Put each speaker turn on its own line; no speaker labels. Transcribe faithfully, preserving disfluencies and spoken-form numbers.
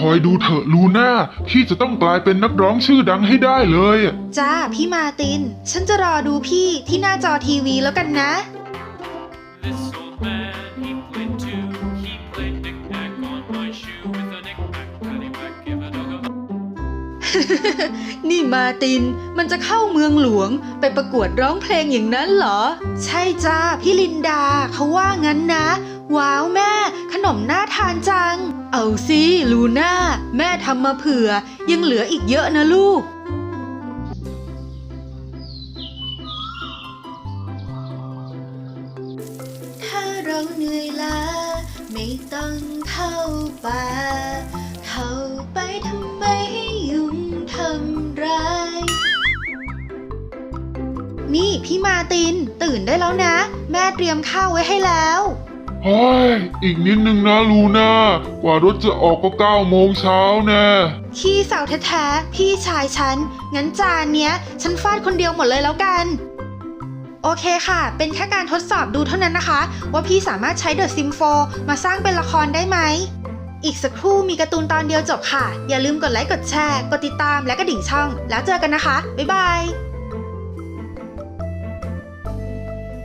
อยดูเถอะลูน่าพี่จะต้องกลายเป็นนักร้องชื่อดังให้ได้เลย
จ้าพี่มาตินฉันจะรอดูพี่ที่หน้าจอทีวีแล้วกันนะ
This old man, he played too. He played knick-knack on my shoe with a knick-knack, paddywhack, give a dog a...
นี่มาตินมันจะเข้าเมืองหลวงไปประกวดร้องเพลงอย่างนั้นเหรอใช่จ้าพี่ลินดาเขาว่างั้นนะว้าวแม่ขนมน่าทานจังเอาสิลูน่าแม่ทำมาเผื่อยังเหลืออีกเยอะนะลูกถ้าเราเหนื่อยล้าไม่ต้องเข้าป่าเข้าไปทำไมให้ยุงทำร้ายนี่พี่มาตินตื่นได้แล้วนะแม่เตรียมข้าวไว้ให้แล้ว
เฮ้ยอีกนิดนึงนะลูน่ากว่ารถจะออกก็เก้าโมงเช้าแน่
ขี้สาวแท้ๆพี่ชายฉันงั้นจานเนี้ยฉันฟาดคนเดียวหมดเลยแล้วกันโอเคค่ะเป็นแค่การทดสอบดูเท่านั้นนะคะว่าพี่สามารถใช้ The Sims โฟร์มาสร้างเป็นละครได้ไหมอีกสักครู่มีการ์ตูนตอนเดียวจบค่ะอย่าลืมกดไลค์กดแชร์กดติดตามและกระดิ่งช่องแล้วเจอกันนะคะบ๊ายบาย